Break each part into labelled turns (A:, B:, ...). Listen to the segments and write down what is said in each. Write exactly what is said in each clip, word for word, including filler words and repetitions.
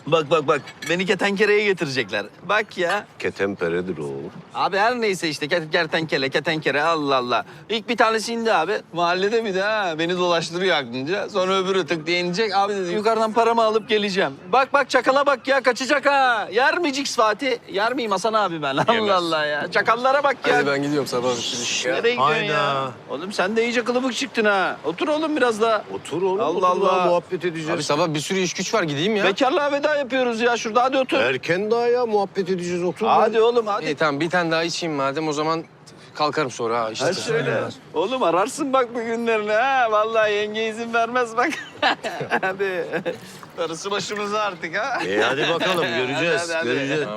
A: Bak bak bak. Beni ketenkereye getirecekler. Bak ya.
B: Ketemperedir oğlum.
A: Abi her neyse işte ket- kertenkele, ketenkere Allah Allah. İlk bir tanesi indi abi. Mahallede bir de ha. Beni dolaştırıyor aklınca. Sonra öbürü tık diye inecek. Abi dedi yukarıdan paramı alıp geleceğim. Bak bak çakala bak ya kaçacak ha. Yer mi Cix Fatih? Yer miyim Hasan abi ben? Allah Allah ya. Çakallara bak ya.
C: Hadi ben gidiyorum sabah bir
A: Nereye gidiyorsun
B: Hayda.
A: ya? Oğlum sen de iyice kılıbık çıktın ha. Otur oğlum biraz daha.
B: Otur oğlum.
A: Allah
B: otur
A: Allah.
B: daha muhabbet edeceğiz.
C: Abi sabah bir sürü iş güç var, gideyim ya.
A: Bekarlığa veda yapıyoruz ya. Şurada hadi otur.
B: Erken daha ya muhabbet edeceğiz. Otur.
A: Hadi oğlum hadi.
C: İyi tamam, bir tane daha içeyim madem, o zaman kalkarım sonra ha. İşte
A: Ha şöyle. Oğlum ararsın bak bu günlerini ha. Vallahi yenge izin vermez bak. Hadi. Darısı başımıza artık ha.
B: E hadi bakalım göreceğiz.
A: Hadi, hadi, hadi.
B: Göreceğiz.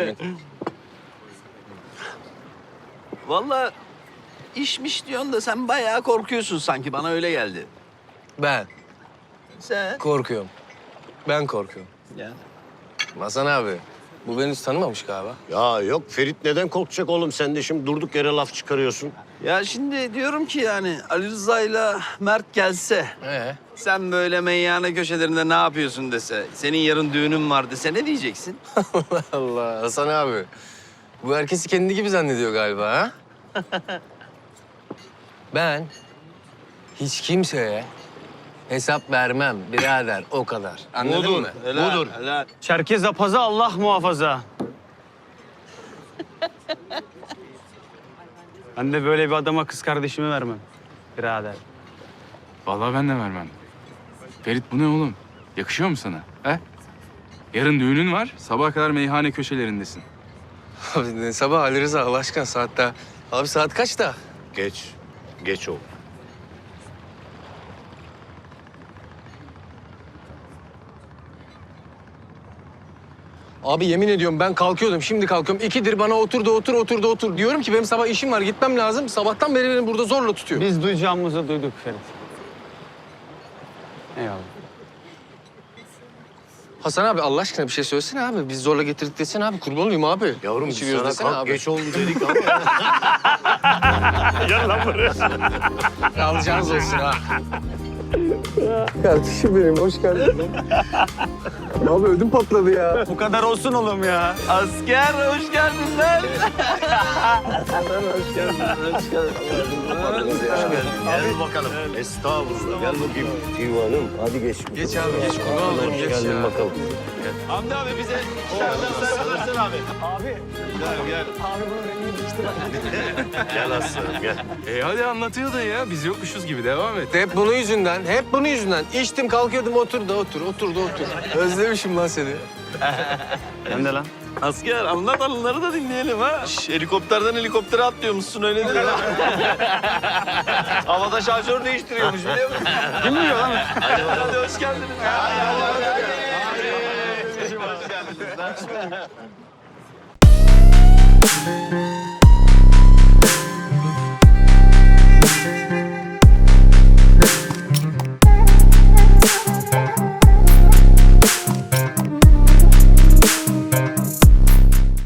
A: Vallahi işmiş diyorsun da sen bayağı korkuyorsun sanki. Bana öyle geldi.
C: Ben
A: Sen?
C: korkuyorum. Ben korkuyorum.
A: Ya.
C: Hasan abi, bu beni hiç tanımamış galiba.
B: Ya yok Ferit neden korkacak oğlum? Sen de şimdi durduk yere laf çıkarıyorsun.
A: Ya şimdi diyorum ki yani Ali Rıza'yla Mert gelse...
C: Ee?
A: Sen böyle meyhane köşelerinde ne yapıyorsun dese, senin yarın düğünün var dese ne diyeceksin?
C: Allah Allah, Hasan abi. Bu herkesi kendi gibi zannediyor galiba ha? Ben hiç kimseye hesap vermem birader, o kadar. Anladın mı?
A: Helal,
B: Budur.
A: helal.
D: Çerkez apaza Allah muhafaza. Ben de böyle bir adama kız kardeşimi vermem birader.
E: Vallahi ben de vermem. Ferit bu ne oğlum? Yakışıyor mu sana? He? Yarın düğünün var, sabaha kadar meyhane köşelerindesin.
C: Abi ne sabah Ali Rıza, Allah aşkına saat daha. Abi saat kaçta?
B: Geç. Geç oğlum.
C: Abi yemin ediyorum ben kalkıyordum, şimdi kalkıyorum. İkidir bana otur da otur, otur da otur. Diyorum ki benim sabah işim var, gitmem lazım. Sabahtan beri beni burada zorla tutuyor.
D: Biz duyacağımızı duyduk Ferit. Eyvallah.
C: Hasan abi Allah aşkına bir şey söylesene abi. Biz zorla getirdik desene abi. Kurban olayım abi.
B: Yavrum biz
C: İçiriyoruz
B: sana
C: desene
B: kalk
C: abi.
B: geç oldu dedik ama.
C: Alacağınız olsun ha. Kardeşim benim, hoş geldin. Abi ödüm patladı ya.
D: Bu kadar olsun oğlum ya.
A: Asker hoş geldin lan. hoş geldin, hoş geldin.
B: Gel bakalım. Estağfurullah. Gel bakayım. Divanım hadi geç.
C: Geç abi, geç. Kurban olurum, geç
B: Geldin
C: ya.
B: bakalım.
A: Hamdi abi bize dışarıdan sen alırsın abi. Gel gel.
B: Gel aslanım gel.
E: E hadi anlatıyordun ya, biz yokmuşuz gibi devam et.
C: Hep bunun yüzünden, hep bunun yüzünden. İçtim, kalkıyordum, otur da otur, otur da otur. Özlemişim lan seni.
D: Ben de lan.
A: Asker anlat anıları da dinleyelim ha. Şş, helikopterden helikoptere atlıyormuşsun öyle diyor. Havada şarjör değiştiriyormuş biliyor musun?
D: Kim biliyor lan?
A: Hadi, hadi hoş geldiniz. Hadi, hadi, hadi, hadi. Hoş geldiniz lan.